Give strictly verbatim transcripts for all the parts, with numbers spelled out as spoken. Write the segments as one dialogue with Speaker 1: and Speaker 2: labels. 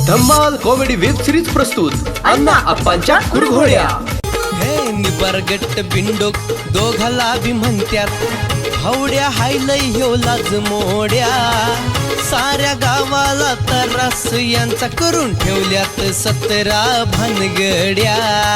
Speaker 1: धम्माल comedy web series प्रस्तुत अण्णा अप्पांच्या कुरघोड्या।
Speaker 2: हे निबरगट बिंडोक दोघाला बी म्हणत्यात हवड्या हायलय ह्यो लाज मोड्या साऱ्या गावाला तरास यांचा करून ठेवल्यात सतरा भानगड्या।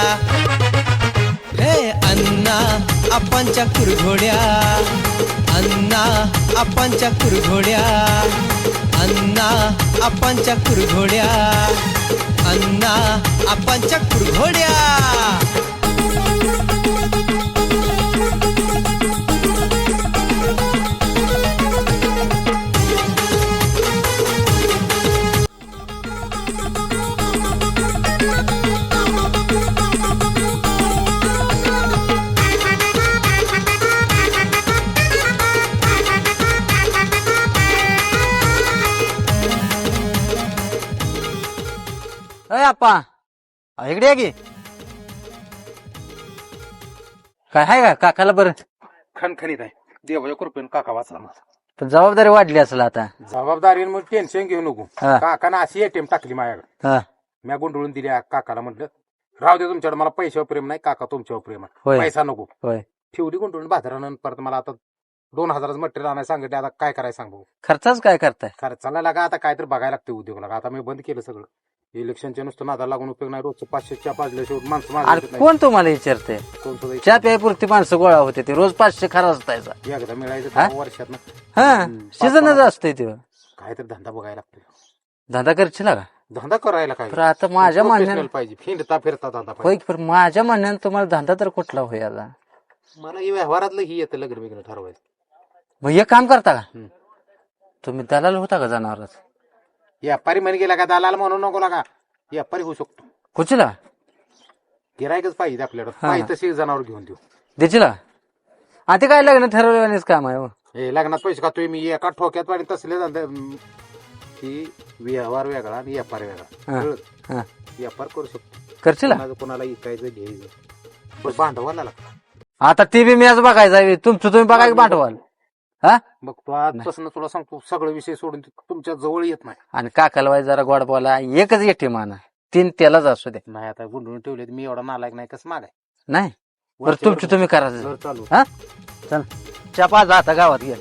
Speaker 2: हे अण्णा अप्पांच्या कुरघोड्या, अण्णा अप्पांच्या कुरघोड्या, अण्णा अप्पांच्या कुरघोड्या, अण्णा अप्पांच्या कुरघोड्या।
Speaker 3: अय आप्पा इकडे या की काय आहे का काकाला बरं
Speaker 4: खणखणीत आहे देवाच्या कृपेन काका वाचला माझा.
Speaker 3: पण जबाबदारी वाढली असेल आता.
Speaker 4: जबाबदारी मग टेन्शन घेऊ नको.
Speaker 3: हा.
Speaker 4: काकानं अशी एटीएम टाकली माझ्याकडे.
Speaker 3: हा
Speaker 4: मी गुंडळून दिली काकाला म्हटलं राहू दे तुमच्याकडे, मला पैशावर प्रेम नाही, काका तुमच्यावर प्रेम
Speaker 3: होय.
Speaker 4: आहे, पैसा नको.
Speaker 3: होय
Speaker 4: ठेवली गुंडळून बाजारानं. परत मला आता दोन हजाराचं मटेरियल आणायला सांगितलं. आता काय करायचं सांगू.
Speaker 3: खर्चाच काय करताय.
Speaker 4: खर्चाला लागा आता काय तर बघायला लागतं उद्योग लागा. आता मी बंद केलं सगळं. इलेक्शनच्या नुसतं नादाला लागून उपयोग नाही. रोजचं पाचशे च्या पाचल्या शेवट माणसं
Speaker 3: अरे
Speaker 4: माणसं
Speaker 3: कोण तुम्हाला विचारते.
Speaker 4: कोण सुद्धा
Speaker 3: चहा प्यायपुरती माणसं गोळा होते ते रोज पाचशे खरा असतायचा.
Speaker 4: एकदा मिळायचं
Speaker 3: हा?
Speaker 4: दहा वर्षात
Speaker 3: हा सीझनच असतंय ते.
Speaker 4: काय तर धंदा बघायला लागतो.
Speaker 3: धंदा करशील का.
Speaker 4: धंदा करायला काय
Speaker 3: तर आता माझ्या
Speaker 4: Professional
Speaker 3: म्हणण्यानं
Speaker 4: पाहिजे. फिरता फिरता धंदा
Speaker 3: होय
Speaker 4: पाहिजे.
Speaker 3: पण माझ्या म्हणण्यानं तुम्हाला धंदा तर कुठला होय आता.
Speaker 4: मला हे व्यवहारातलं ही येतं लग्न बिग्न ठरवायचं.
Speaker 3: मग एक काम करता का
Speaker 4: हम्म.
Speaker 3: तुम्ही दलाल होता का जनावरच.
Speaker 4: व्यापारी म्हणे गेला का दलाल म्हणू नको लागा. व्यापारी होऊ शकतो.
Speaker 3: कुचला
Speaker 4: गिरायकच पाहिजे आपल्याकडे.
Speaker 3: हा.
Speaker 4: पाहिजे तसे जनावर घेऊन देऊ.
Speaker 3: देशील का ते काय लग्न ठरवल्यानेच काम आहे हो.
Speaker 4: हे लग्नात पैसे खातोय मी एका ठोक्यात पाणी तसले धंदे. अं, ही व्यवहार वेगळा आणि व्यापार वेगळा.
Speaker 3: हा.
Speaker 4: कळलं?
Speaker 3: हा.
Speaker 4: व्यापार करू शकतो.
Speaker 3: करशील का?
Speaker 4: कोणाचं कोणाला इकायचं घ्यायचं पण भांडवाला लागतं.
Speaker 3: आता ती बी मॅच बघायचा आहे. तुमचं तुम्ही बघा की भांडवल. हा
Speaker 4: मग तो आजपासून तुला सांगतो सगळं विषय सोडून तुमच्या जवळ येत नाही.
Speaker 3: आणि काकाला वाई जरा गोड बोला. एकच येते माना तीन त्यालाच असू दे.
Speaker 4: नाही आता गुंडून ठेवले मी एवढा नालायक नाही कसं मागाय.
Speaker 3: नाही बरं तुमची तुम्ही करायचं.
Speaker 4: घर चालू.
Speaker 3: हा चल चपा जा आता गावात गेल.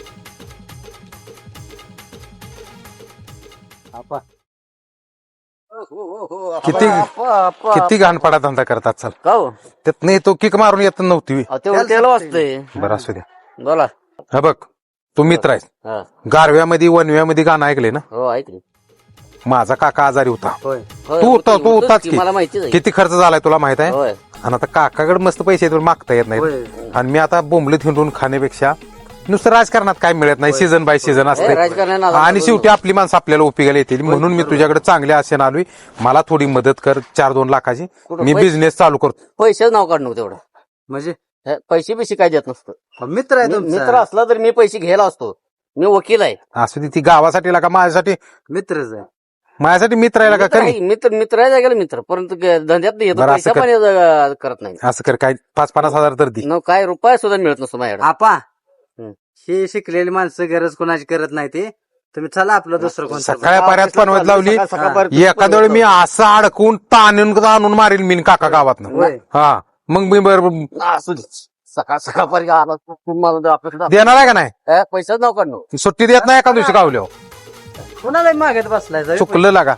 Speaker 4: किती किती घाणपाडा धंदा करतात चल.
Speaker 3: का हो
Speaker 4: त्यात नाही तो किक मारून येत नव्हती.
Speaker 3: तेवढं त्याला वाचतंय.
Speaker 4: बरं असू द्या.
Speaker 3: बोला.
Speaker 4: हा बघ तू मित्र आहेस.
Speaker 3: हा
Speaker 4: गारव्यामध्ये वनव्यामध्ये गाणं ऐकले ना.
Speaker 3: हो ऐकले.
Speaker 4: माझा काका आजारी होता.
Speaker 3: होय
Speaker 4: तू होता तू होताच की.
Speaker 3: मला माहितीच आहे.
Speaker 4: किती खर्च झालाय तुला माहित आहे.
Speaker 3: होय
Speaker 4: आणि आता काकाकडे मस्त पैसे आहेत, पण मागता येत
Speaker 3: होय.
Speaker 4: नाही. आणि मी आता बोंबलीत हिंडून खाण्यापेक्षा नुसतं राजकारणात काय मिळत नाही. सीझन बाय सीझन असते.
Speaker 3: राजकारणात
Speaker 4: आणि शेवटी आपली माणसं आपल्याला उपयोगाला येतील. म्हणून मी तुझ्याकडे चांगले आशेन आलोय. मला थोडी मदत कर चार दोन लाखाची. मी बिझनेस चालू करतो.
Speaker 3: पैसेच नाव काढ नको तेवढं. म्हणजे पैसे पैसे काय देत नसतं. मित्र आहे मित्र असला तर मी पैसे घ्यायला असतो. मी वकील आहे.
Speaker 4: असू दे ती गावासाठी लागा माझ्यासाठी
Speaker 3: मित्रच आहे.
Speaker 4: माझ्यासाठी मित्र आहे का करी.
Speaker 3: मित्र मित्र आहे जागेला मित्र परंतु धंद्यात येतो
Speaker 4: बरं, असं
Speaker 3: पैसा
Speaker 4: कर.
Speaker 3: पण करत नाही.
Speaker 4: असं कर काय पाच पन्नास हजार तर दे.
Speaker 3: न काय रुपया सुद्धा मिळत नसतो माझ्याकडे.
Speaker 5: आपा हे शिकलेली माणसं गरज कोणाची करत नाही. ते तुम्ही चला आपलं दुसरं कोण
Speaker 4: सकाळी पर्यात बनवत लावली. एखाद्या वेळी मी असं अडकून ताणून आणून मारील मी काका गावात. हा मग मी बरोबर
Speaker 3: असू दे. सकाळ सकाळ पर्यंत आला तुम्हाला अपेक्षा
Speaker 4: देणार आहे का नाही.
Speaker 3: पैसाच नाव काढणं.
Speaker 4: सुट्टी देत नाही एका दिवशी गावल्यावर.
Speaker 5: कोणाला मागत बसलाय जाऊ.
Speaker 4: चुकलं लागा.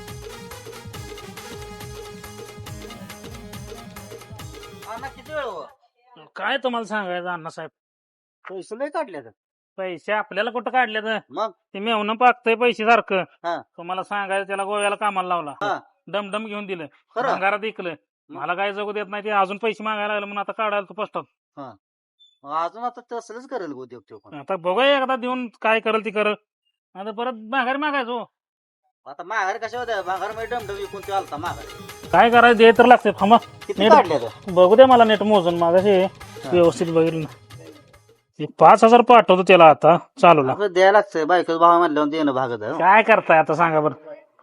Speaker 6: काय तुम्हाला सांगायचं अण्णासाहेब.
Speaker 5: पैसे नाही काढले तर
Speaker 6: पैसे आपल्याला कुठं काढले तर
Speaker 5: मग
Speaker 6: ते मेवणं पाकतंय पैसे सारखं.
Speaker 5: हा.
Speaker 6: तुम्हाला सांगायचं त्याला गोव्याला कामाला लावला.
Speaker 5: हा.
Speaker 6: डमडम घेऊन दिलं.
Speaker 5: खरं?
Speaker 6: भंगारात इकलं. मला काय जगू देत नाही. ते अजून पैसे मागायला लागले म्हणून आता काढायला तू पोस्टात.
Speaker 5: अजून आता तसलंच करेल उद्योग तो पण.
Speaker 6: आता बघूया एकदा देऊन काय करेल ती करल. आता परत माघारी मागायचो.
Speaker 5: आता माघार कशा होत्या माघार मध्ये डमडम विकून ते आलता माघार.
Speaker 6: काय करायचं दे तर लागते. थांबा
Speaker 5: किती काढले तर
Speaker 6: नीट बघू दे मला नीट मोजून मागाशी व्यवस्थित बघितलं ना. ते पाच हजार पाठवतो त्याला आता चालूला.
Speaker 5: आपलं द्यायला लागतंय बायकोच भाव म्हणल्यावर देणं भागत आहे.
Speaker 6: काय करताय आता सांगा बरं.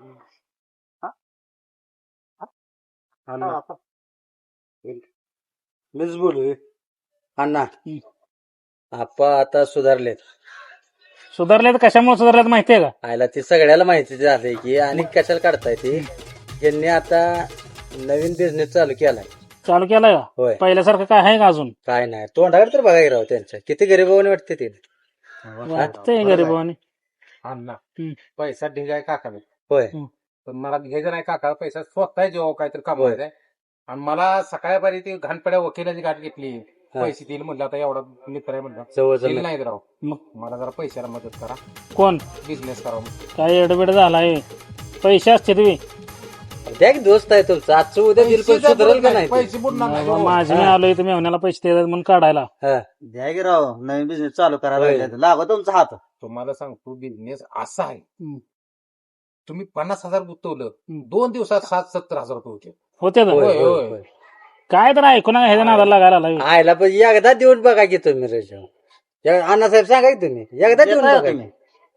Speaker 3: मीच बोलू अण्णा. आपा आता सुधारलेत.
Speaker 6: सुधारले तर कशामुळे सुधारल्यात माहितीये का?
Speaker 5: आयला ते सगळ्याला माहिती झालंय की आणि कशाला काढताय ते यांनी आता नवीन बिझनेस चालू केलाय.
Speaker 6: चालू केलाय का?
Speaker 5: होय.
Speaker 6: पहिल्यासारखं काय आहे का अजून?
Speaker 5: काय नाही तोंडाकडे तर बघाय राव त्यांच्या किती गरीबाने वाटते ते.
Speaker 6: वाटतंय गरीबाने.
Speaker 4: अण्णा
Speaker 6: हम्म.
Speaker 4: पैसा ढिगाय काका
Speaker 5: होय
Speaker 4: पण मला घ्यायचा नाही काका पैसा स्वतः जेव्हा काहीतरी कमवायचा आणि मला सकाळपारी ती घाणपड्या वकिलाची गाठ घेतली. पैसे देईल म्हणलं आता एवढा मित्र आहे म्हणलं
Speaker 5: जवळ
Speaker 4: दिले नाहीत राव.
Speaker 6: मग
Speaker 4: मला जरा पैशाला मदत करा
Speaker 6: कोण
Speaker 4: बिझनेस करा.
Speaker 6: काय एडबिड झालाय? पैसे असते तुम्ही
Speaker 5: द्या की दोस्त आहे तुमचा आजचं उद्या दिल पण सुधारेल का नाही ते?
Speaker 4: पैसे बुडणार नाही हो.
Speaker 6: माझे मी आलोय तुम्ही मेवण्याला पैसे देतात म्हणून काढायला.
Speaker 5: हा.
Speaker 7: द्या की राव नवीन बिझनेस चालू करायला
Speaker 5: होय.
Speaker 7: लागले लागो तुमचा हात.
Speaker 4: तुम्हाला सांगतो बिझनेस असा आहे
Speaker 6: हम्म.
Speaker 4: तुम्ही पन्नास हजार गुंतवलं
Speaker 6: हम्म.
Speaker 4: दोन दिवसात सात सत्तर हजार रुपये होते.
Speaker 6: होते ना?
Speaker 5: होय,
Speaker 4: होय,
Speaker 5: होय,
Speaker 4: होय.
Speaker 5: होय.
Speaker 6: काय तर ऐकू नका ह्याच्या नादाला लागायला लागलाय.
Speaker 5: आयला पण एकदा देऊन बघा की तुम्ही रेशो. अण्णासाहेब सांगा की तुम्ही एकदा देऊन
Speaker 7: देताय
Speaker 5: बघा
Speaker 7: तुम्ही?
Speaker 5: की.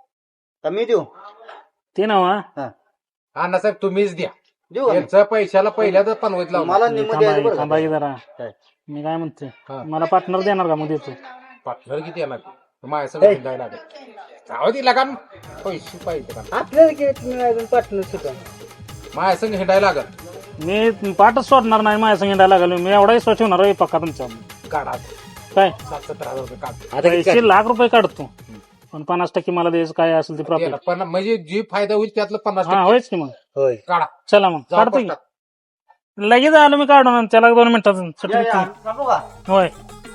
Speaker 7: का मी देऊ
Speaker 6: ते ना वा.
Speaker 4: अण्णासाहेब तुम्हीच द्या
Speaker 7: देऊ का मी?
Speaker 4: यांच्या पैशाला पहिल्या तर पनवत लावला
Speaker 7: मला निम्म द्यायचं बरं
Speaker 6: थांबा की
Speaker 7: का?
Speaker 6: जरा.
Speaker 7: काय?
Speaker 6: मी काय म्हणते
Speaker 4: हा.
Speaker 6: मला पार्टनर देणार का मग देतो?
Speaker 4: पार्टनर किती येणार माझ्या सगळं हिंडायला लागेल. जाऊ दे लागा पैसे पाहिजे का
Speaker 5: आपल्याला की तुम्ही अजून पार्टनर सुद्धा
Speaker 4: माझ्या संग हिंडायला लागल.
Speaker 6: मी पाठच सोडणार नाही माझ्या संगीताला लागलो. मी एवढाही स्वच्छ होणार आहे पक्का तुमचा.
Speaker 4: काढा
Speaker 6: काय
Speaker 4: सात सत्तर हजार रुपये काढ.
Speaker 5: आता किती
Speaker 6: पैसे लाख रुपये काढतो पण पन्नास टक्के मला द्यायचं काय असेल ते प्रॉफिट.
Speaker 4: त्याला पन्नास म्हणजे जी फायदा होईल त्यातलं पन्नास
Speaker 6: हा
Speaker 4: टक्के
Speaker 6: होयच की मग.
Speaker 5: होय
Speaker 4: काढा.
Speaker 6: चला मग
Speaker 4: जाऊ
Speaker 6: काढतो की.
Speaker 4: पोस्टात.
Speaker 6: लगेच आलो मी काढून आणि त्याला दोन मिनिटात सुट्टी
Speaker 7: या, या,
Speaker 6: देतो.
Speaker 7: सांगू का?
Speaker 6: होय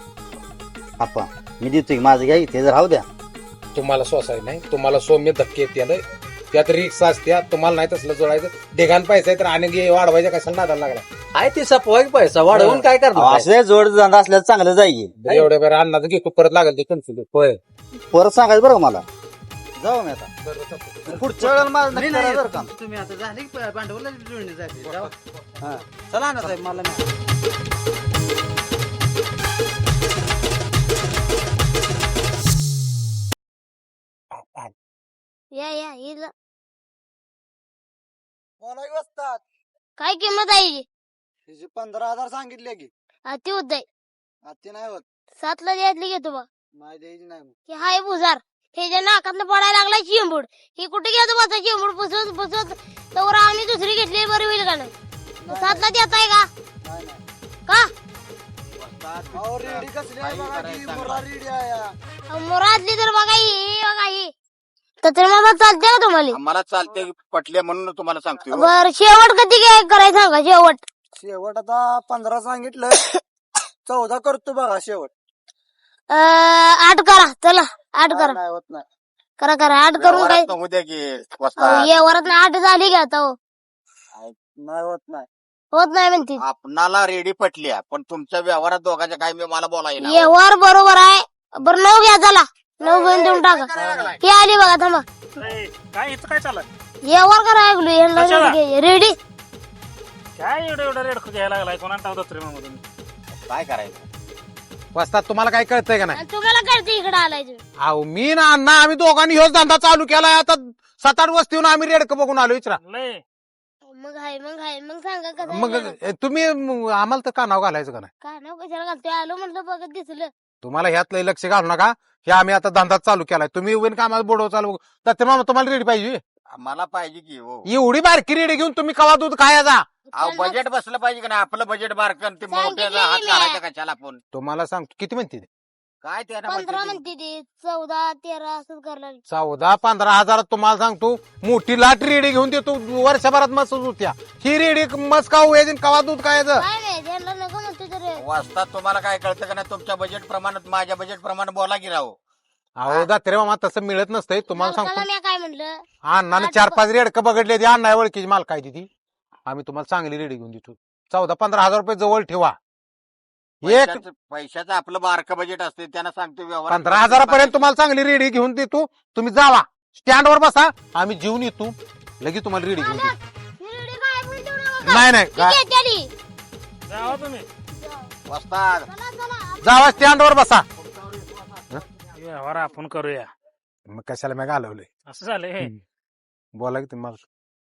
Speaker 7: आप्पा मी देतोय की माझं घ्या की, ते जर राहू द्या.
Speaker 4: तुम्हाला सोसाय नाही तुम्हाला सौम्य धक्के येते त्यात रिक्षा असत्या तुम्हाला नाही तसलं जोडायचं देगान पैसा आहे तर आणि वाढवायचा कशाला नादाला लागला.
Speaker 5: आहे ते सपवाय पैसा वाढवून काय
Speaker 7: अहो,
Speaker 5: करणार
Speaker 7: असं जोड धंदा असल्याचं चांगलं जाईल.
Speaker 4: एवढ्या बरं अन्नाचं घेतो परत लागेल ते कन्फ्युज.
Speaker 5: होय
Speaker 7: परत सांगायचं बरं का मला. जाऊ मी आता पुढच्या वेळेला माझं नक्की करा बरं का.
Speaker 5: तुम्ही आता झाले भांडवला जुळणी झाली जाऊ.
Speaker 7: हा. चला ना साहेब मला नाही.
Speaker 8: या या हिला
Speaker 7: मला वस्तात
Speaker 8: काय किंमत आहे हिची?
Speaker 7: तिचे पंधरा हजार सांगितले की
Speaker 8: अति होत आहे.
Speaker 7: आत्ती नाही होत.
Speaker 8: सातला द्यायतली घेतो बा.
Speaker 7: नाही द्यायची नाही मग.
Speaker 8: हे हाय भुजार ह्याच्या नाकातनं पडायला लागला चिंबूड. ही कुठे घेतो बसा चिंबूड पुसत पुसत तर आम्ही दुसरी घेतली बरी होईल का नाही? मग सातला देत आहे का?
Speaker 7: नाही नाही
Speaker 8: का
Speaker 7: अहो, रेडी कसली आहे बघा की, मुर्रा रेडी आहे या.
Speaker 8: अहो, मुरादली तर बघा ही बघा ही तर मला चालते का तुम्हाला?
Speaker 9: मला चालते पटले म्हणून तुम्हाला सांगतो.
Speaker 8: बर शेवट कधी काय करायचं सांगा शेवट.
Speaker 7: शेवट आता पंधरा सांगितलं चौदा करतो बघा शेवट.
Speaker 8: अं, आठ करा चला आठ करा
Speaker 7: नाही होत नाही.
Speaker 8: करा करा आठ करून काय
Speaker 9: व्यवहारात उद्या की
Speaker 8: अहो,
Speaker 9: वस्तात
Speaker 8: ये वरात आठ झाली का आता हो?
Speaker 7: नाही होत नाही.
Speaker 8: होत नाही म्हणते
Speaker 9: आपणाला रेडी पटल्या पण तुमच्या व्यवहारात दोघांच्या काय मी मला बोलायला
Speaker 8: व्यवहार बरोबर आहे. बरं नऊ घ्या चला नऊ घेऊन देऊन टाका. ही आली बघा थांबा
Speaker 6: ए, काय इथं काय चाललंय?
Speaker 8: व्यवहार करा ऐकलो
Speaker 6: कशाला?
Speaker 8: रेडी.
Speaker 6: काय एवढं एवढं रेड घ्यायला लागलाय कोणा टाकतो मधून?
Speaker 9: काय करायचं.
Speaker 4: वाजतात तुम्हाला काय कळतंय का नाही?
Speaker 8: आणि तुम्हाला कळते इकडे आलाय तुम्ही.
Speaker 4: अहो मी ना अण्णा आम्ही दोघांनी ह्योच धंदा चालू केलाय आता सात आठ वस्तीहून आम्ही रेडकं बघून आलो. विचारा
Speaker 6: लय
Speaker 8: मग आहे मग आहे मग सांगा कसं
Speaker 4: मग
Speaker 8: आहे?
Speaker 4: तुम्ही म- आम्हाला तर का नाव घालायचं का नाही?
Speaker 8: का नाव कशाला घालतोय आलो म्हटलं बघत दिसलं.
Speaker 4: तुम्हाला ह्यात लय लक्ष घालू नका. हे आम्ही आता धंदा चालू केलाय तुम्ही उभे का आम्हाला बोडव चालू तर मामा तुम्हाला रेडी पाहिजे.
Speaker 9: मला पाहिजे की हो.
Speaker 4: एवढी बारकी रेडी घेऊन तुम्ही कवा दूध खायचा?
Speaker 9: अहो बजेट बसलं पाहिजे का नाही आपलं बजेट बारकन ते मोठ्याचा हात
Speaker 8: सांगितलं मी.
Speaker 9: काढायचा कशाला आपण
Speaker 4: तुम्हाला सांगतो किती म्हणते ते?
Speaker 9: काय त्याला
Speaker 8: पंधरा
Speaker 9: म्हणते
Speaker 8: म्हणते ते चौदा तेरा असंच करायला.
Speaker 4: चौदा पंधरा हजारात तुम्हाला सांगतो मोठी लाट रेडी घेऊन देतो वर्षभरात मस्त होत्या. ही रेडी मस्त का व्हायची कवा दूध खायचं?
Speaker 8: काय नाही त्यांना नको म्हणते तर
Speaker 9: वाजतात तुम्हाला काय कळतं का नाही तुमच्या बजेट प्रमाणात माझ्या बजेट प्रमाणे बोला की राहू.
Speaker 4: अहो दात्रे मामा तसं मिळत नसतंय तुम्हाला
Speaker 8: मालकाला
Speaker 4: सांगतो.
Speaker 8: मी काय म्हणलं
Speaker 4: अण्णाने चार पाच रेडकं बघडले ती अण्णा ओळखीची माल काय ती आम्ही तुम्हाला चांगली रेडी घेऊन देतो. चौदा पंधरा हजार रुपये जवळ ठेवा. एक
Speaker 9: पैशाचं पैशाचं आपलं बारकं बजेट असते त्यांना सांगतो व्यवहार
Speaker 4: पंधरा हजारापर्यंत तुम्हाला चांगली रेडी घेऊन देतो. तुम्ही जावा स्टँडवर बसा आम्ही जेवून येतो लगेच तुम्हाला रेडी घेऊन देतो.
Speaker 8: ही रेडी काय बोलू देऊ नका.
Speaker 4: नाही नाही
Speaker 8: ती
Speaker 4: का-
Speaker 8: घेते आली.
Speaker 6: जावा तुम्ही
Speaker 9: वाजतात.
Speaker 8: चला चला
Speaker 4: जावा स्टँडवर बसा.
Speaker 6: व्यवहार आपण करूया.
Speaker 4: मग कशाला मी घालवलंय
Speaker 6: असं झालंय हे.
Speaker 4: बोला की तुम्हाला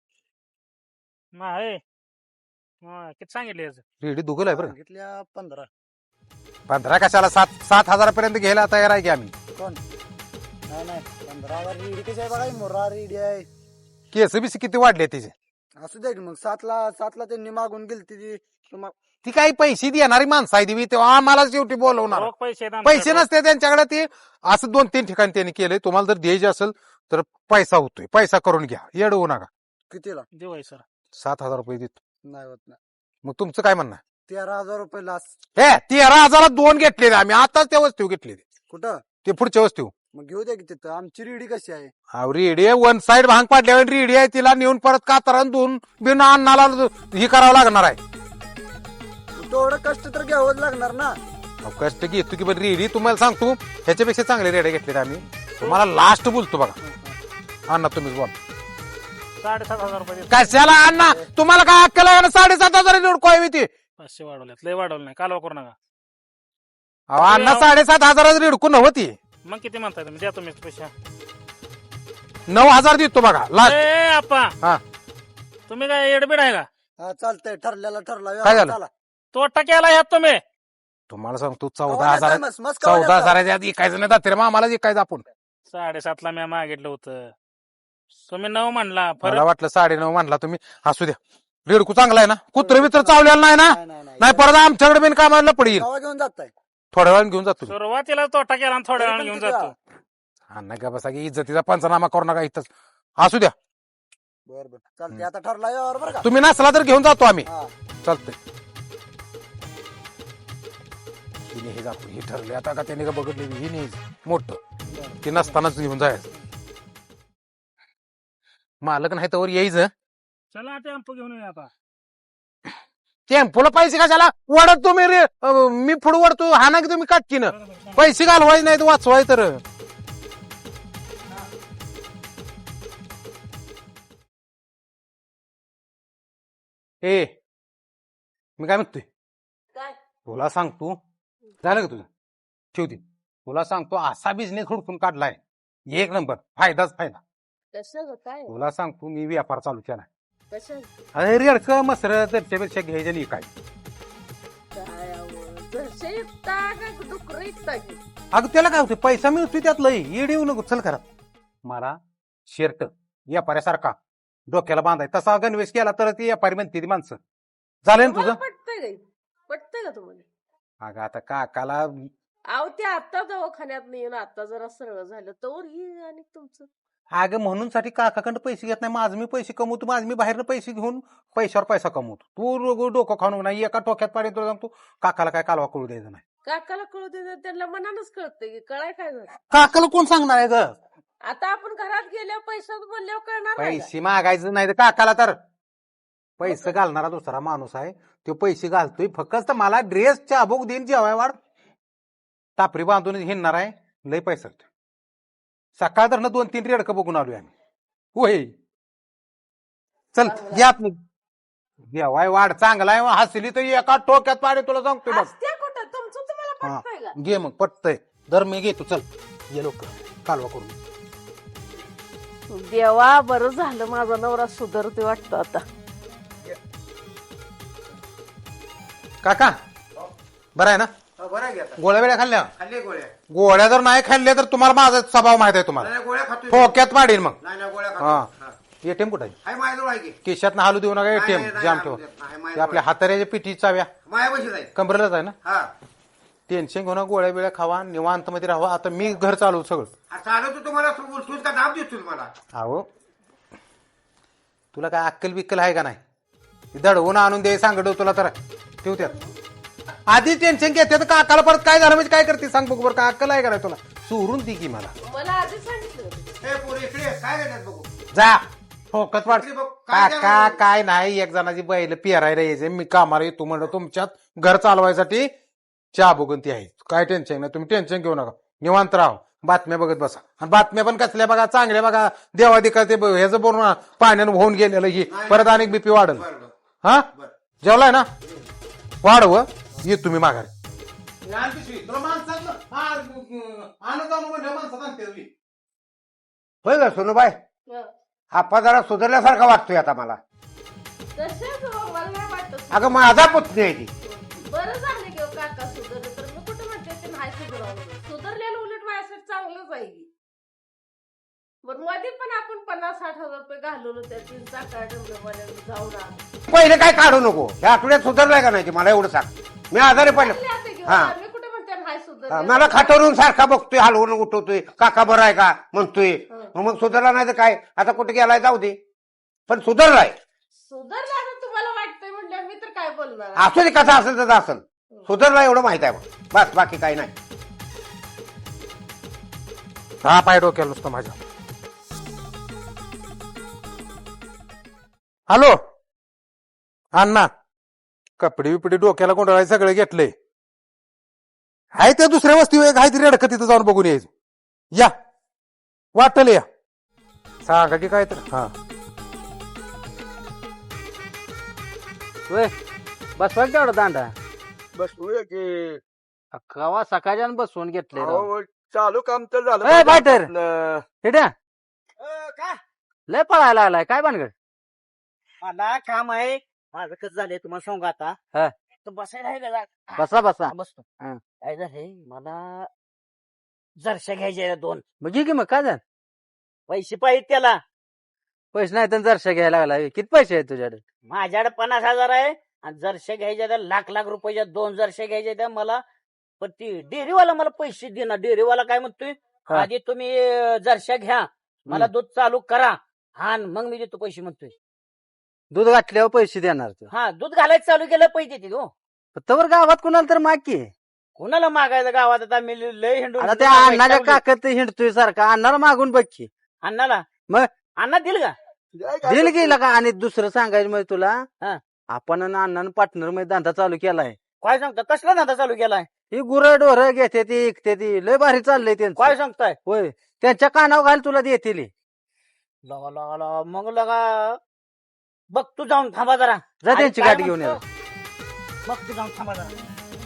Speaker 6: नाही हा, किती सांगितले याचं?
Speaker 4: रेडी दुगल आहे बरं का?
Speaker 7: सांगितल्या पंधरा.
Speaker 4: पंधरा कशाला सात सात हजारापर्यंत घ्यायला तयार आहे की आम्ही.
Speaker 7: नाही नाही पंधरा हजार रेडी कशी आहे बघा, मोरा रेडी आहे.
Speaker 4: केस बिस किती वाढले तिचे
Speaker 7: असू दे की मग सातला सातला त्यांनी मागून गेली ती तुम्हा
Speaker 4: ती काही पैसे देणारी माणसं आहे ती तेव्हा आम्हाला शेवटी बोलवणार
Speaker 6: रोख पैसे आहेत
Speaker 4: पैसे
Speaker 6: आमच्याकडे.
Speaker 4: नसते त्यांच्याकडे ते असं दोन तीन ठिकाणी त्यांनी केलंय तुम्हाला जर द्यायचे असेल तर पैसा होतोय पैसा करून घ्या येड होऊ नका
Speaker 7: कितीला
Speaker 6: देऊ आहे सर.
Speaker 4: सात हजार रुपये देतो
Speaker 7: नाही होत नाही.
Speaker 4: मग तुमचं काय म्हणणं आहे?
Speaker 7: तेरा हजार रुपये लास.
Speaker 4: हे तेरा हजारात दोन घेतलेले आम्ही आताच त्या वस्तू घेतलेली
Speaker 7: कुठं
Speaker 4: ते पुढच्या वस्तू
Speaker 7: मग घेऊ द्या की तिथं. आमची रेडी कशी आहे?
Speaker 4: रेडी आहे वन साइड भांग पाडल्यावर रेडी आहे तिला नेऊन परत कातरण धुवून बिन अन्नाला हे करावं लागणार आहे.
Speaker 7: तेवढं कष्ट तर घ्यावंच लागणार ना.
Speaker 4: अहो, कष्ट घेतो की पण रेडी तुम्हाला सांगतो ह्याच्यापेक्षा चांगले रेडे घेतलेले आम्ही तुम्हाला लास्ट बोलतो बघा अण्णा तुम्हीच बोल
Speaker 6: साडेसात हजार रुपये देतो.
Speaker 4: कशाला अण्णा तुम्हाला काय अक्कल आहे ना साडेसात हजार निवडकोय ती
Speaker 6: पाचशे वाढवल्यात लय वाढवलं नाही कालवा करू नका.
Speaker 4: अहो, अण्णा साडेसात हजाराची रिडकू नव्हती
Speaker 6: मग किती म्हणताय तुम्ही द्या तुम्ही पैसे.
Speaker 4: नऊ हजार देतो बघा लास्ट
Speaker 6: ए आप्पा
Speaker 4: हा
Speaker 6: तुम्ही काय एडबीड आहे का?
Speaker 7: हा चालतंय ठरलेला ठरला.
Speaker 4: काय झालं?
Speaker 7: चला.
Speaker 6: तोटा केला ह्यात तुम्ही.
Speaker 4: तुम्हाला सांगतो
Speaker 7: कवा
Speaker 4: चौदा
Speaker 7: नाही
Speaker 4: हजार
Speaker 7: काय मस्त- मस्त कवा
Speaker 4: चौदा
Speaker 7: नाही
Speaker 4: हजाराच्या आधी इकायचं नाही जाते रे मग आम्हाला इकायचं आपण
Speaker 6: साडेसातला मी मागितलं होतं तुम्ही नऊ म्हणला
Speaker 4: मला
Speaker 6: फरक.
Speaker 4: वाटलं साडे नऊ म्हणला तुम्ही असू द्या रेडकू चांगला आहे ना कुत्र बित्र चावलेला नाही ना
Speaker 7: नाही, नाही, नाही.
Speaker 4: नाही परत आमच्याकडे बिन कामाला पडेल
Speaker 7: कवा घेऊन जाताय?
Speaker 4: थोड्या वेळाने घेऊन जातो
Speaker 6: सुरुवातीला तोटा केला आणि थोड्या वेळाने घेऊन जातो.
Speaker 4: अण्णा का बसा की इज्जतीचा पंचनामा करू नका इथंच असू द्या
Speaker 7: बर बर चालतंय आता ठरला यावर बरं का.
Speaker 4: तुम्ही नसला तर घेऊन जातो आम्ही
Speaker 7: हा.
Speaker 4: चालतंय हिने हे जातो हे ठरले आता का त्याने का बघितले ही नाही मोठं ते नसतानाच घेऊन जायचं मालक नाही तर यायचं
Speaker 6: चला टेम्पो घेऊन येऊ आता.
Speaker 4: टेम्पोला पैसे कशाला वडत तुम्ही रे अं, मी पुढे वडतो हा ना की तुम्ही काटकीनं पैसे घालवायचे नाही तर वाचवाय तर ए मी काय म्हणतोय तुला सांगतो झालं का तुझं ठेवते तुला सांगतो असा बिझनेस हुडकून काढलाय एक नंबर फायदाच फायदा
Speaker 10: कसं काय
Speaker 4: तुला सांगतो मी व्यापार चालू केलाय
Speaker 10: कसं
Speaker 4: अरे रेडक मसर दरच्यापेक्षा घ्यायचं नाही काय
Speaker 10: काय आवं? जसे इकता का डुकर इकता की
Speaker 4: अगं त्याला काय होतं पैसा मिळतोय त्यातलं येड येऊ नको चल खरं मला शर्ट व्यापाऱ्यासारखा डोक्याला बांधाय तसा गणवेश केला तर ती व्यापारी म्हणते ती माणसं झालं ना तुझं
Speaker 10: पटतंय काही पटतंय का तुम्हाला?
Speaker 4: अगं आता काकाला
Speaker 10: अहो ते आता दवाखान्यात येऊन आता जरा सरळ झालं तर ही आणि तुमचं
Speaker 4: अगं म्हणून साठी काकाकडे पैसे घेत नाही माझं मी पैसे कमवतो माझं मी बाहेरनं पैसे घेऊन पैशावर पैसा कमवतो तू रोग डोकं खाणू नाही एका टोक्यात पाडी तुला सांगतो काकाला काय कालवा कळू द्यायचं नाही
Speaker 10: काकाला कळू दे त्यांना मनानच कळतंय की कळाय काय झालं.
Speaker 4: काकाला कोण सांगणार आहे ग
Speaker 10: आता आपण घरात गेल्यावर पैसा बोलल्यावर कळणार नाही का?
Speaker 4: पैसे मागायचं नाही तर काकाला तर पैसे घालणारा दुसरा माणूस आहे तो पैसे घालतोय फक्त मला ड्रेस चाबूक देईन जेवाय वाढ टापरी बांधून हिंडणार आहे लय पैसा सकाळ तर दोन तीन रेडकं बघून आलोय आम्ही होय चल या जेवाय वाढ चांगला आहे हसली तर एका टोक्यात पाडे तुला सांगतोय बघ
Speaker 10: असत्या कुठं तुमचं तुम्हाला
Speaker 4: हा.
Speaker 10: पटतंय का?
Speaker 4: घे मग पटतय दर मी घेतो चल ये लोक कालवा करून
Speaker 10: देवा बरं झालं माझा नवरा सुधारते वाटतो आता.
Speaker 4: काका बरं आहे ना
Speaker 9: बरं आहे की आता?
Speaker 4: गोळ्या वेळ्या खाल्ल्या
Speaker 9: खाल्ली गोळ्या
Speaker 4: गोळ्या जर नाही खाल्ल्या तर तुम्हाला माझा स्वभाव माहित आहे तुम्हाला
Speaker 9: नाही, गोळ्या खातोय
Speaker 4: ठोक्यात पाडीन मग
Speaker 9: नाही नाही गोळ्या
Speaker 4: हा
Speaker 9: खातो
Speaker 4: एटीएम कुठे आहे
Speaker 9: हाय माझ्याजवळ आहे की
Speaker 4: केशात हालू देऊ नका एटीएम
Speaker 9: नाही, नाही,
Speaker 4: जाम
Speaker 9: नाही,
Speaker 4: ठेव
Speaker 9: नाही,
Speaker 4: ते
Speaker 9: माझ्याजवळ
Speaker 4: आपल्या हाताऱ्याच्या पिठी चाव्या
Speaker 9: मायापाशीच आहे
Speaker 4: कमरेलाच आहे ना
Speaker 9: हा
Speaker 4: टेन्शन घेऊन गोळ्या बिळ्या खावा निवांत मध्ये राहावा आता मी घर चालू सगळं
Speaker 9: आता आलो तू तुम्हाला उलटून का दाब देतो तुम्हाला
Speaker 4: अहो तुला काय अक्कल बिक्कल आहे का नाही दडवून आणून दे सांगतो तुला तर ठेव त्यात आधी टेन्शन घेते तर काकाला परत काय झालं म्हणजे काय करते सांग बघ बरं का अक्कल आहे का नाही तुला सोडून दे की मला
Speaker 10: मला आधी सांगितलं होतं.
Speaker 9: हे पोरी इकडे ये. काय घेतात बघू
Speaker 4: जा फोकस वाट
Speaker 9: इकडे बघ. काय
Speaker 4: काका
Speaker 9: झालं?
Speaker 4: काय नाही एक जणाची बैल पेरायला यायचे मी कामाला येतो म्हणलं तुमच्यात घर चालवायसाठी चहा बघून ती आहे काय टेन्शन नाही तुम्ही टेन्शन घेऊ नका निवांत राहा बातम्या बघत बसा आणि बातम्या पण कसल्या बघा चांगल्या बघा देवादिका ते ह्याचं बोलून पाण्यानं होऊन गेलेलं ही परत अनेक बीपी वाढल
Speaker 9: बरं बरं
Speaker 4: हा जेवलाय ना वाढव ये तुम्ही माघारी
Speaker 9: होय का सोनूबाई
Speaker 10: हं.
Speaker 9: आपा जरा सुधारल्यासारखा वाटतोय आता मला
Speaker 10: तसेच हो, मला नाही वाटत.
Speaker 9: अगं माझा पुतणी आहे ती
Speaker 10: बरं झालं की हो काका सुधारलं तर मी कुठं म्हणते ते नाही सुधारावं सुधारलेलं उलट माझ्यासाठी चांगलंच आहे की. बरं मध्ये पण आपण पन्नास साठ हजार रुपये घालवलं त्या तीन चाका डमडमवाल्याला जाऊन आलो.
Speaker 4: पहिले काय काढू नको या आठवड्यात सुधारलाय का नाही ते मला एवढं सांग. मी आजारी पडले
Speaker 10: चांगले आता घेऊन
Speaker 4: हा.
Speaker 10: आम्ही कुठे म्हणते हाय सुद्धा
Speaker 4: मला खाटावरून सारखा बघतोय हलवून उठवतोय काका बरं आहे का म्हणतोय मग सुधारला नाही तर काय आता कुठे गेलाय जाऊ दे पण सुधारलाय.
Speaker 10: सुधारला आता तुम्हाला वाटतंय म्हटलं मी तर काय बोलणार.
Speaker 4: असू दे कसा असेल तर असेल सुधारला एवढं माहित आहे मग बस बाकी काही नाही. हा पाय डोक्याला नुसतं माझ्या. हॅलो अण्णा कपडे बिपडे डोक्याला कोंडाळाय सगळे घेतले आहे त्या दुसऱ्या वस्ती आहे ती रेडक तिथं जाऊन बघून यायचं. या वाटल या सांगा की काय तर हा
Speaker 3: बसवा तेवढा दांडा
Speaker 9: बसवूया की
Speaker 3: कवा सकाळच्यानं बसवून घेतले
Speaker 9: अहो, चालू काम तर झालं
Speaker 3: ए, बायटर.
Speaker 9: आपलं.
Speaker 3: हेट्या लय पळायला लागलाय काय भानगड.
Speaker 7: मला काम आहे माझं कसं झालंय तुम्हाला सांगू आता
Speaker 3: हा.
Speaker 7: तर बसायला आहे का जागा?
Speaker 3: बसा बसा
Speaker 7: बसतो
Speaker 3: हा.
Speaker 7: काय झालंय मला जरशा घ्यायच्या दोन
Speaker 3: मग घे की मग काय झालं
Speaker 7: पैसे पाहिजे त्याला
Speaker 3: पैसे नाही तर जरशा घ्यायला लागला किती पैसे आहेत तुझ्याकडे.
Speaker 7: माझ्याकडे पन्नास हजार आहे आणि जरशा घ्यायच्या त्या लाख लाख रुपयाच्या दोन जरशा घ्यायच्या त्या मला पण ती डेअरीवाला मला पैसे देणार. डेअरीवाला काय म्हणतोय
Speaker 3: हा.
Speaker 7: आधी तुम्ही अं, जरशा घ्या मला दूध चालू करा हा आणि मग मी देतो पैसे म्हणतोय.
Speaker 3: दूध घातल्यावर पैसे देणार तू
Speaker 7: हा दूध घालायचं चालू केलं पैसे देते हो.
Speaker 3: तवर गावात कुणाला तर माग की
Speaker 7: कोणाला मागायचं गावात आता मी लय हिंडून
Speaker 3: आता त्या अण्णाच्या काकत हिंडतोय सारखा अण्णाला मागून बघ की
Speaker 7: अण्णाला
Speaker 3: मग?
Speaker 7: अण्णा दिल का
Speaker 3: दिल गेला का. आणि दुसरं सांगायचं म्हणजे तुला
Speaker 7: हा.
Speaker 3: आपण आणि अण्णानं पार्टनर मध्ये धंदा चालू केलाय.
Speaker 7: काय सांगता कसला धंदा चालू केलाय
Speaker 3: ही गुरं ढोरं घेते ती इकते ती लय भारी चाललंय त्यांचं.
Speaker 7: काय सांगताय
Speaker 3: होय त्यांच्या कानावर घाल तुला देतील.
Speaker 7: लगा लगा लगा मग लगा बघ तू जाऊन थांबा जरा
Speaker 3: जा
Speaker 7: आणि
Speaker 3: त्यांची
Speaker 7: काय
Speaker 3: गाठी घेऊन ये.
Speaker 7: म्हणतो? बघ तू जाऊन थांबा जरा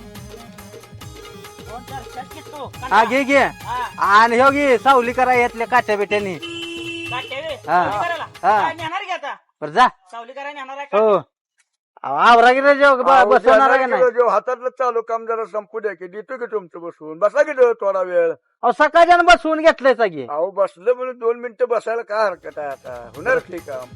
Speaker 7: दोन चार शर्ट घेतो.
Speaker 3: हा घे घे
Speaker 7: हा,
Speaker 3: आणि हो घे सावली करा यातल्या काठ्या बिट्यानी.
Speaker 7: काटे रे.
Speaker 3: हा.
Speaker 7: सावली करायला?
Speaker 3: हा.
Speaker 7: काय नेणार की आता
Speaker 3: बरं जा
Speaker 7: सावली करायला नेणार आहे का?
Speaker 3: हो आवरा गिरा जेव बसवणार का नाही.
Speaker 9: जो हातातलं चालू काम जरा संपू द्या की देतो की तुमचं बसवून बसा की देऊ थोडा वेळ.
Speaker 3: अहो सकाळच्यानं बसवून घेतलंय सगळे.
Speaker 9: अहो बसलं म्हणून दोन मिनिटं बसायला काय हरकत आहे आता होणार ते काम.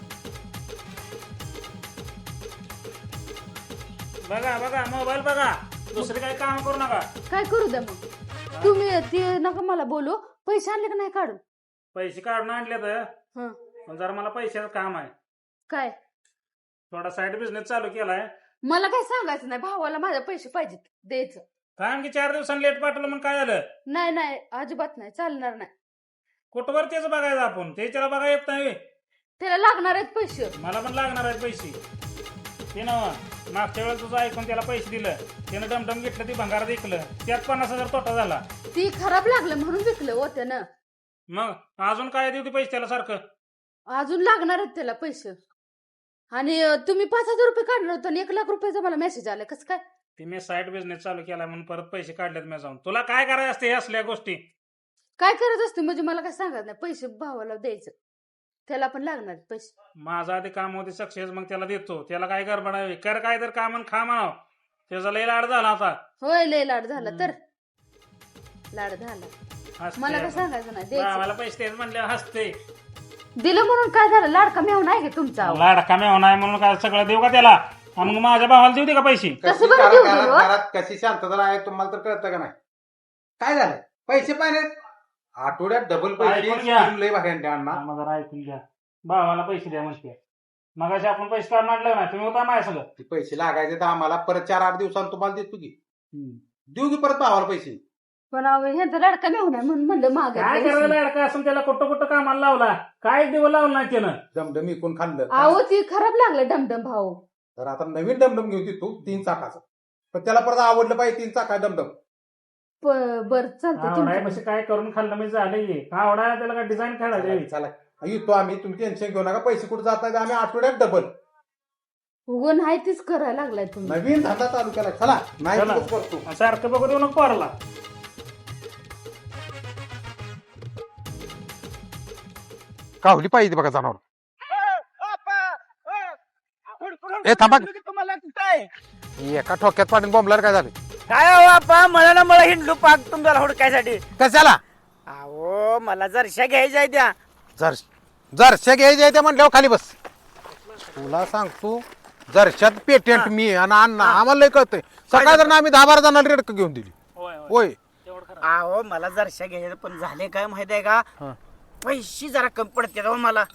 Speaker 6: बघा बघा मोबाईल बघा दुसरे काही काम करू नका.
Speaker 10: काय करू द्या मग तुम्ही ते नका मला बोलू. पैसे आणले का नाही काढून.
Speaker 6: पैसे काढून आणले तर
Speaker 10: हं.
Speaker 6: पण जरा मला पैशाचं काम आहे.
Speaker 10: काय
Speaker 6: थोडा साईड बिझनेस चालू केलाय.
Speaker 10: मला काय सांगायचं नाही भावाला माझे पैसे पाहिजेत द्यायचं.
Speaker 6: काय आणखी चार दिवसांनी लेट पाठवलं मग काय झालं.
Speaker 10: नाही नाही अजिबात नाही चालणार नाही.
Speaker 6: कुठवर त्याचं बघायचं आपण ते त्याला बघा येत नाही.
Speaker 10: त्याला लागणार आहेत पैसे.
Speaker 6: मला पण लागणार आहेत पैसे. ते ना मागच्या वेळेस तुझं ऐकून त्याला पैसे दिलं त्यानं डमडम घेतलं ती भंगार विकलं त्यात पन्नास हजार तोटा झाला.
Speaker 10: ती खराब लागलं म्हणून विकलं हो त्यानं.
Speaker 6: मग अजून काय देऊ पैसे त्याला सारखं.
Speaker 10: अजून लागणार आहेत त्याला पैसे. आणि अं, तुम्ही पाच हजार रुपये काढणार होता आणि एक लाख रुपयाचा मला मेसेज आला कसं काय.
Speaker 6: ती मी साईड बिझनेस चालू केला म्हणून परत पैसे काढलेत मी जाऊन. तुला काय करायचं असते हे असल्या गोष्टी.
Speaker 10: काय करत असते म्हणजे मला काय सांगत नाही. पैसे भावाला द्यायचं त्याला पण लागणार आहेत पैसे.
Speaker 6: माझं आधी काम होते सक्सेस मग त्याला देतो. त्याला काय गडबड आहे कर काय तर काम आणि खा म्हणाव. त्याचा लय लाड झाला आता.
Speaker 10: होय लय लाड झाला तर लाड झाला.
Speaker 6: हसते
Speaker 10: मला काय
Speaker 6: आता.
Speaker 10: सांगायचं नाही द्यायचं.
Speaker 6: भावाला पैसे द्यायचे म्हणले हसते.
Speaker 10: दिलं म्हणून काय झालं. लाडका मेहून आहे का तुमचा.
Speaker 6: लाड कमी होणार म्हणून काय सगळं देऊ का त्याला. आणि मग माझ्या भावाला देऊ दे का पैसे.
Speaker 10: कसं बरं देऊ दिलं हो?
Speaker 4: घरात कशी शांतता आहे तुम्हाला तर कळतं का नाही. काय झालं पैसे पाहिजे आठवड्यात डबल
Speaker 6: ऐकून घ्या.
Speaker 4: पैसे लय भारी आणले अण्णा.
Speaker 6: हा, जरा ऐकून घ्या. भावाला पैसे द्या म्हणते. मग असे आपण पैसे काढून आणलं नाही तुम्ही होता माझ्या सगळं.
Speaker 4: ते पैसे लागायचे तर आम्हाला परत चार आठ दिवसांनी तुम्हाला देतो की देऊ की परत भावाला पैसे.
Speaker 10: पण अहो, ह्यांचा लाडका मेहून आहे म्हणून म्हणलं
Speaker 6: काय
Speaker 10: मागे.
Speaker 6: करायला लाडका असून त्याला कुठं कुठं कामाला लावला. काय दिवस लावलं नाही त्यानं.
Speaker 4: डमडम इकून खाल्लं
Speaker 10: अहो ती खराब लागलं डमडम भाऊ.
Speaker 4: तर आता नवीन डमडम घेऊ तू तीन चाकाचं पण त्याला परत आवडलं पाहिजे तीन चाका डमडम.
Speaker 10: बर चालतंय
Speaker 6: आवडाय
Speaker 10: तुमचं.
Speaker 6: म्हणजे काय करून खाल्लं मी झालं. आवडा त्याला काय डिझाईन खेळायचं.
Speaker 4: चला येतो आम्ही तुम्ही टेन्शन घेऊ नका. पैसे कुठे जातात आम्ही आठवड्यात डबल
Speaker 10: उगून आहे तीच करायला लागलाय तुम्ही.
Speaker 4: नवीन धंदा चालू केला. चला नाही
Speaker 6: चला.
Speaker 4: दिवस करतो.
Speaker 6: सारखं बघू देऊ नको पोराला.
Speaker 4: कावली पाहिजे बघा जनावर. ए थांबा एका ठोक्यात पाडून बॉम्बला काय झालं.
Speaker 7: काय हो आपा मला ना मला हिंडलो पाक तुमच्याला हुडकायसाठी
Speaker 4: कशाला
Speaker 7: अहो मला जरशा घ्यायच्या आहे त्या
Speaker 4: जर जरशा घ्यायच्या त्या म्हटल्यावर खाली बस. तुला सांगतो जरशात पेटेंट मी आणि अण्णा आम्हाला लय कळतंय. सकाळ जर आम्ही दहा बारा जणांना रेडक घेऊन दिली.
Speaker 6: होय होय
Speaker 4: होय
Speaker 6: तेवढं खरं.
Speaker 7: अहो मला जरशा घ्यायचं पण झाले काय माहित आहे का
Speaker 4: हा.
Speaker 7: पैसे जरा कमी पडते हो मला.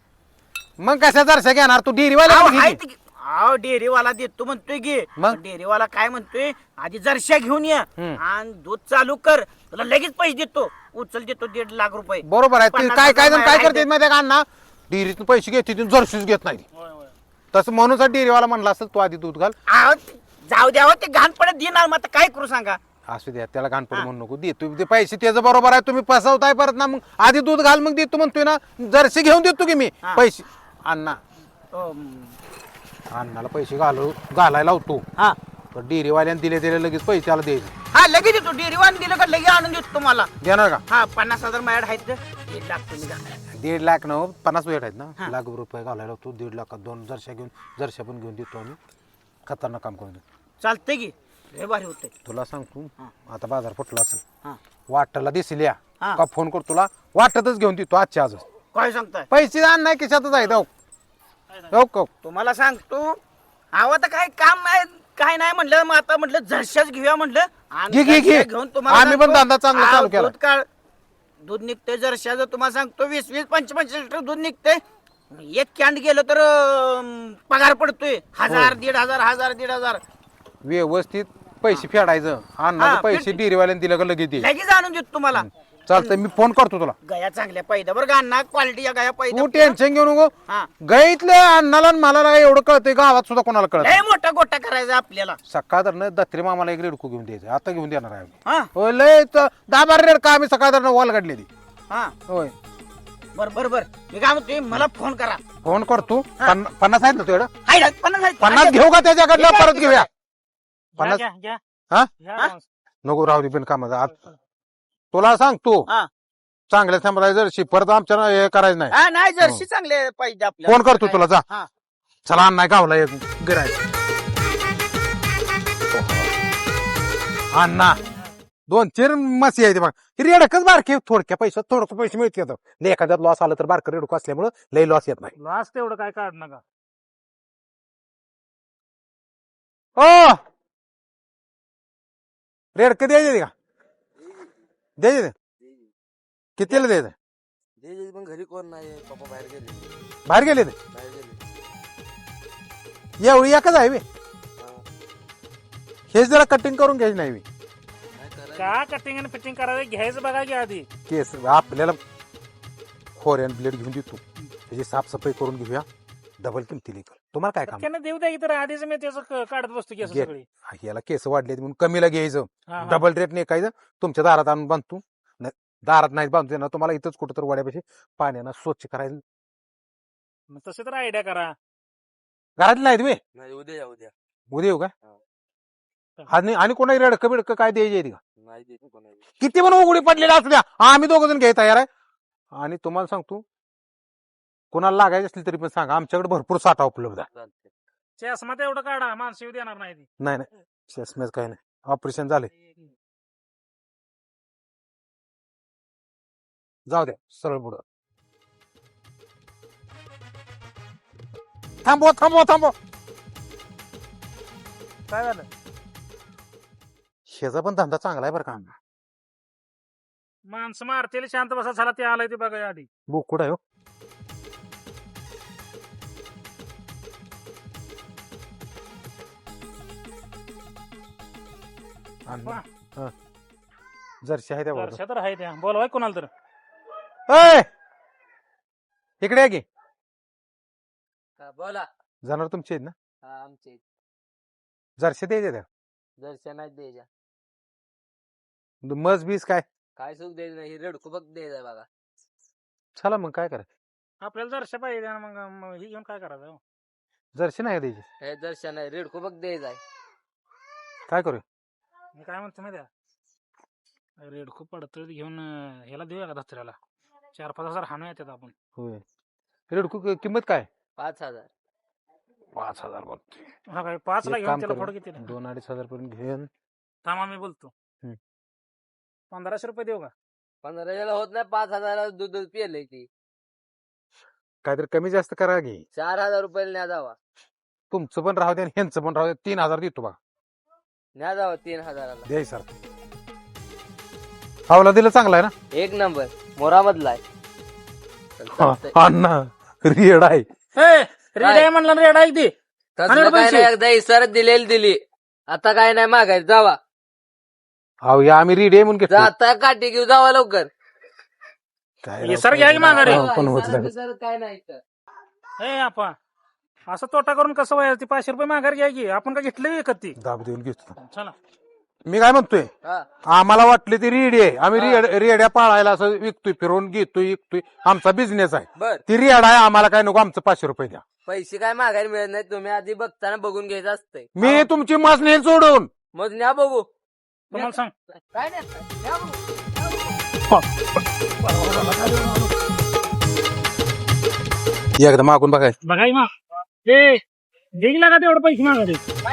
Speaker 4: मग कशा जरशा घेणार तू डेअरीवाला
Speaker 7: अहो,
Speaker 4: घे
Speaker 7: आहेत
Speaker 4: की.
Speaker 7: की. अहो डेअरीवाला देतो म्हणतोय की
Speaker 4: मग?
Speaker 7: डेअरीवाला काय म्हणतोय आधी जरशा घेऊन ये
Speaker 4: हम्म.
Speaker 7: आणि दूध चालू कर तुला लगेच पैसे देतो उचल देतो दीड लाख रुपये.
Speaker 4: बरोबर आहे ते
Speaker 7: पन्नास
Speaker 4: काय काय जण
Speaker 7: हजार
Speaker 4: काय
Speaker 7: आहे
Speaker 4: करते
Speaker 7: ते.
Speaker 4: माहिती आहे का अण्णा डेअरीतून पैसे घेते जरशीच घेत नाही.
Speaker 6: होय होय
Speaker 4: तसं म्हणून डेअरीवाला म्हणला असेल तू आधी दूध घाल.
Speaker 7: अहो, जाऊ द्या हो, ते घाण पडत देणार मग आता काय करू सांगा.
Speaker 4: असू द्या त्याला घाणपड म्हणू नको दे तुम्ही ते पैसे त्याचं बरोबर आहे तुम्ही फसवताय परत ना. मग आधी दूध घाल मग देतो म्हणतोय ना जर्सी घेऊन देतो की मी
Speaker 7: हा.
Speaker 4: पैसे अण्णा
Speaker 7: अम,
Speaker 4: अण्णाला पैसे घालू घालायला लावतो
Speaker 7: हा
Speaker 4: तर डेअरीवाल्याने दिले दिले लगेच पैसे त्याला द्यायचे.
Speaker 7: हा लगेच देतो डेअरीवान दिलं का लगेच आणून देतो तुम्हाला.
Speaker 4: देणार का
Speaker 7: हा पन्नास हजार माझ्याकडे आहेत तर दीड लाख तुम्ही द्या.
Speaker 4: दीड लाख न पन्नास वेळ आहेत ना
Speaker 7: हा.
Speaker 4: लाख रुपये घालायला लावतो. दीड लाखात दोन जरशा घेऊन जरशा पण घेऊन देतो आम्ही. खतरनाक काम करून देतो.
Speaker 7: चालतंय की लय भारी होतंय.
Speaker 4: तुला सांगतो
Speaker 7: हा.
Speaker 4: आता बाजार फुटला असेल
Speaker 7: हा
Speaker 4: वाटायला दिसेल या
Speaker 7: हा.
Speaker 4: का फोन करतो तुला वाटतच घेऊन देतो आजच्या आजच.
Speaker 7: काय सांगताय
Speaker 4: पैसे आण नाही खिशातच आहेत. हो हो हो.
Speaker 7: तुम्हाला सांगतो अहो आता काय काम नाही काय नाही म्हटलं मग आता म्हटलं जरशाच घेऊया म्हटलं आणि
Speaker 4: घे, घे, घे.
Speaker 7: जरशा घेऊन तुम्हाला
Speaker 4: आम्ही पण
Speaker 7: सांगतो,
Speaker 4: धंदा चांगला चालू
Speaker 7: अहो,
Speaker 4: केला.
Speaker 7: दूध काढ दूध निघतंय जरशाचं तुम्हाला सांगतो वीस वीस पंचवीस लिटर दूध निघतंय. एक कॅन्ड गेलं तर अं, पगार पडतोय हजार दीड हजार हजार दीड हजार
Speaker 4: व्यवस्थित पैसे फेडायचं आणि
Speaker 7: हा,
Speaker 4: पैसे
Speaker 7: फेड-
Speaker 4: डेअरीवाल्याने दिलं का लगेच दे.
Speaker 7: लगेच आणून देतो तुम्हाला.
Speaker 4: चालतंय मी फोन करतो तुला.
Speaker 7: गया चांगल्या पैदा बरं का अण्णा क्वालिटी गया पैदा
Speaker 4: तू टेन्शन घेऊ नको.
Speaker 7: हा
Speaker 4: गाईतलं अण्णाला आणि मला नाही एवढं कळतंय गावात सुद्धा कोणाला कळत
Speaker 7: लय मोठा गोटा करायचा आपल्याला.
Speaker 4: सकाळ तर दत्रे मामाला एक रेडकू घेऊन द्यायचं आता घेऊन देणार आहे आम्ही.
Speaker 7: हा
Speaker 4: होय लय त- दहा बारा रेडका आम्ही सकाळ तर वॉल काढलेली.
Speaker 7: हा
Speaker 4: होय
Speaker 7: बर बर बर मी काय म्हणतोय मला फोन करा.
Speaker 4: फोन करतो. पन्ना- पन्नास आहेत ना तुझ्याकडं
Speaker 7: हाय ना, पन्नास आहेत.
Speaker 4: पन्नास घेऊ का त्याच्याकडलं
Speaker 7: घ्या,
Speaker 4: परत
Speaker 7: घ्या,
Speaker 4: घेऊया.
Speaker 6: घ्या
Speaker 4: पन्नास
Speaker 6: घ्या घ्या
Speaker 4: हा
Speaker 6: घ्या
Speaker 7: हा?
Speaker 6: advance.
Speaker 4: नको राहू दे बिन कामाचा आज तुला सांगतो
Speaker 7: हा.
Speaker 4: चांगल्या थांबायचं परत आमच्या हे करायचं नाही.
Speaker 7: हा नाही जर्सी चांगले पाहिजे आपल्याला.
Speaker 4: फोन करतो तुला जा.
Speaker 7: हा.
Speaker 4: चला अण्णा गावला एक गिरायक अण्णा दोन चार मसी आहे ते बघ रेडकच बारके थोडक्या पैशात थोडक पैसे मिळतात. लय एखाद्यात लॉस आलं तर बारकं रेडकं असल्यामुळे लय लॉस येत नाही.
Speaker 6: लॉस तेवढं काय काढ नका.
Speaker 4: ओ रेडकं द्यायचे का द्यायचे कितीला द्यायचं
Speaker 3: पण घरी कोण नाही पप्पा बाहेर गेले
Speaker 4: बाहेर गेले ते
Speaker 3: बाहेर गेले
Speaker 4: एवढी एकच आहे बे. हे जरा कटिंग करून घ्यायची नाही बे.
Speaker 6: का कटिंग आणि फिटिंग करायचं घ्यायचं बघा की आधी.
Speaker 4: केस आपल्याला फोरेन ब्लेड घेऊन देतो त्याची साफसफाई करून घेऊया डबल किमतीला इकल. तुम्हाला काय काम
Speaker 6: त्यांना देऊ द्या की तर आधीच मी त्याचं क- काढत बसतो केस
Speaker 4: घे.
Speaker 6: सगळी.
Speaker 4: याला केस वाढले म्हणून कमीला घ्यायचं
Speaker 6: हा, हा.
Speaker 4: डबल रेट नाही काय तुमच्या दारात आणून बांधतो नाही, दारात नाही बांधतो ना तुम्हाला इथंच कुठं तर वड्यापाशी पाण्यानं स्वच्छ करायचं.
Speaker 6: मग तसे तर आयडिया करा.
Speaker 4: घरात नाही तुम्ही
Speaker 3: नाही उद्या या उद्या
Speaker 4: उद्या येऊ का आणि आणि कोणाही रडकं बिडकं काय द्यायची आहे का
Speaker 3: नाही देत कोणाला.
Speaker 4: किती पण उघडी पडलेला असू द्या आम्ही दोघ जण घ्याय तयार आहे. आणि तुम्हाला सांगतो कोणाला लागायची असली तरी पण सांगा आमच्याकडे भरपूर साठा उपलब्ध आहे.
Speaker 3: चालतंय.
Speaker 6: चष्मा तेवढं काढा माणसं येऊ देणार नाही ती.
Speaker 4: नाही नाही चष्म्याच काही नाही ऑपरेशन झाले जाऊ द्या सरळ पुढं थांबव थांबव थांबव.
Speaker 6: काय झालं
Speaker 4: शेजा पण धंदा चांगला आहे बरं का.
Speaker 6: माणसं मारतेली शांत बसा झाला ते आलंय ते बघा आधी.
Speaker 4: बोकुड आहे हो.
Speaker 6: वा.
Speaker 4: हा. जर्सी आहे त्या बरोबर.
Speaker 6: वर्षा तर आहे त्या बोलवाय कोणाला तर.
Speaker 4: ओय! इकडे या की
Speaker 3: बोला
Speaker 4: जाणार तुमचे आहेत ना
Speaker 3: हा आमचे
Speaker 4: जर्सी द्यायचे त्या
Speaker 3: दर्शन नाही द्यायच्या
Speaker 4: मज बीस काय
Speaker 3: काय सुख द्यायचं नाही रेडकू बघ द्यायचा बघा.
Speaker 4: चला मग काय करायचं
Speaker 6: आपल्याला जरशा पाहिजे आणि मग मग ही घेऊन काय करायचं हो?
Speaker 4: जर्सी नाही द्यायची
Speaker 3: हे दर्शन नाही रेडकू बघ द्यायचा
Speaker 4: काय करू
Speaker 6: मी काय म्हणतो माहिती आहे रेड खूप पडतळ घेऊन अं, ह्याला देऊया का दसऱ्याला चार पाच हजार हाणू येतात आपण.
Speaker 4: होय रेडकू कि- किंमत काय
Speaker 3: पाच हजार
Speaker 4: पाच हजार बघतोय.
Speaker 6: हा काय पाच ला
Speaker 4: एक
Speaker 6: घेऊन
Speaker 4: काम
Speaker 6: त्याला
Speaker 4: करू,
Speaker 6: फोड किती
Speaker 4: दोन अडीच हजार पर्यंत घेऊन
Speaker 6: थांबा मी बोलतो.
Speaker 4: हम्म.
Speaker 6: पंधराशे रुपये देऊ का
Speaker 3: पंधराशेला होत नाही, पाच हजाराला दूध दूध पिले ती.
Speaker 4: काहीतरी कमी जास्त करा घे.
Speaker 3: चार हजार रुपयाला न्या जावा.
Speaker 4: तुमचं पण राहू दे आणि ह्यांचं पण राहू दे. तीन हजार देतो बघा.
Speaker 3: न्या जावा तीन हजाराला.
Speaker 4: द्याय सर. आवला दिलं चांगला आहे ना.
Speaker 3: एक नंबर मोरामधला आहे. चल, चालतंय.
Speaker 4: अण्णा रेड आहे.
Speaker 6: रेड म्हणलं रेड आहे ते
Speaker 3: तसलं काय नाही, एकदा इसरत दिलेली दिली. आता काय नाही मागायचं, जावा.
Speaker 4: अहो या आम्ही रेडी आहे म्हणून घेतलं.
Speaker 3: जाता काठी घेऊ, जावा लवकर.
Speaker 4: काय
Speaker 6: हे सर घ्या की माघारी.
Speaker 4: हो, पण होत नाही.
Speaker 3: इसरत काय नाही इथं.
Speaker 6: हे आपा असं तोटा करून कसं व्हायचं? ती पाचशे रुपये माघार घ्या की. आपण का घेतलं विकत ती?
Speaker 4: दाब देऊन घेतो.
Speaker 6: चला
Speaker 4: मी काय म्हणतोय,
Speaker 3: हा.
Speaker 4: आम्हाला वाटले ती रेडी आहे. आम्ही रेड- रेड्या पाळायला असं विकतोय, फिरवून घेतोय, विकतोय. आमचा बिझनेस आहे.
Speaker 3: बर,
Speaker 4: ती रेड आहे, आम्हाला काय नको. आमचं पाचशे रुपये द्या.
Speaker 3: पैसे काय मागायला मिळत नाही. तुम्ही आधी बघताना बघून घ्यायचं असतंय.
Speaker 4: मी तुमची मास नेल सोडून.
Speaker 3: मग न्या बघू.
Speaker 6: तुम्हाला सांग
Speaker 3: काय नाही, न्या बघू.
Speaker 4: एकदा मागून बघायचं.
Speaker 6: बघाय मा हे देईल का तेवढं पैसे मागायचे?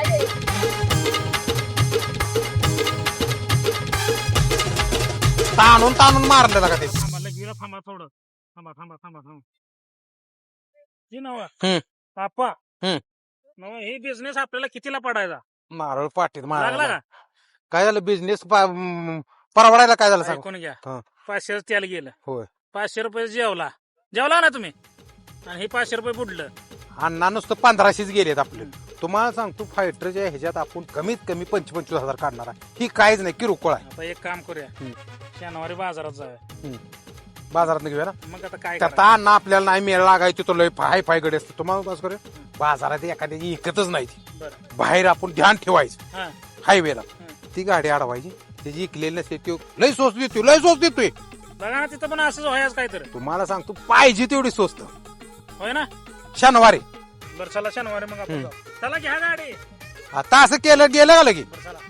Speaker 4: ताणून ताणून मारलं का ते.
Speaker 6: थांबा लगेच थांबा थोडं. थांबा थांबा थांबा थांबा जी नवा
Speaker 4: हम्म.
Speaker 6: आपा
Speaker 4: हम्म.
Speaker 6: नवा हे बिझनेस आपल्याला कितीला पडायचा?
Speaker 4: नारळ पाटीत
Speaker 6: लागला
Speaker 4: मारायला.
Speaker 6: का?
Speaker 4: काय झालं बिझनेस परवडायला काय झालं सांग.
Speaker 6: ऐकून घ्या.
Speaker 4: हा.
Speaker 6: पाचशे त्याला गेलं.
Speaker 4: होय.
Speaker 6: पाचशे रुपये जेवला जेवला ना तुम्ही, आणि हे पाचशे रुपये बुडलं.
Speaker 4: अण्णा नुसतं पंधराशेच गेलेत आपले. तुम्हाला सांगतो फायटरच्या ह्याच्यात आपण कमीत कमी पंचवीस पंचवीस हजार काढणार आहे. ही काहीच नाही, किरकोळ आहे.
Speaker 6: आता एक काम करूया,
Speaker 4: हम्म.
Speaker 6: शनिवारी बाजारात जाऊया.
Speaker 4: बाजारात घेऊया ना.
Speaker 6: मग आता काय
Speaker 4: त्यात
Speaker 6: करायचं?
Speaker 4: अण्णा आपल्याला नाही मेळ लागायची, तो लय हाय फाय गडे असतो. तुम्हाला कसं करूया, बाजारात एखाद्याची इकतच नाही ती.
Speaker 6: बरं.
Speaker 4: बाहेर आपण ध्यान ठेवायचं
Speaker 6: हा.
Speaker 4: हायवेला. ती गाडी अडवायची, त्याची इकलेली नसते, तो लय स्वस्त देतोय, लय स्वस्त देतोय.
Speaker 6: बघा ना तिथं पण असंच व्हायचं काहीतरी.
Speaker 4: तुम्हाला सांगतो पाहिजे तेवढी स्वस्त.
Speaker 6: होय ना.
Speaker 4: शनिवारी
Speaker 6: बरं चला शनिवारी मग आपण जाऊ. चला घ्या गाडी.
Speaker 4: आता असं केलं गेलं का लगे.
Speaker 6: बरं चला.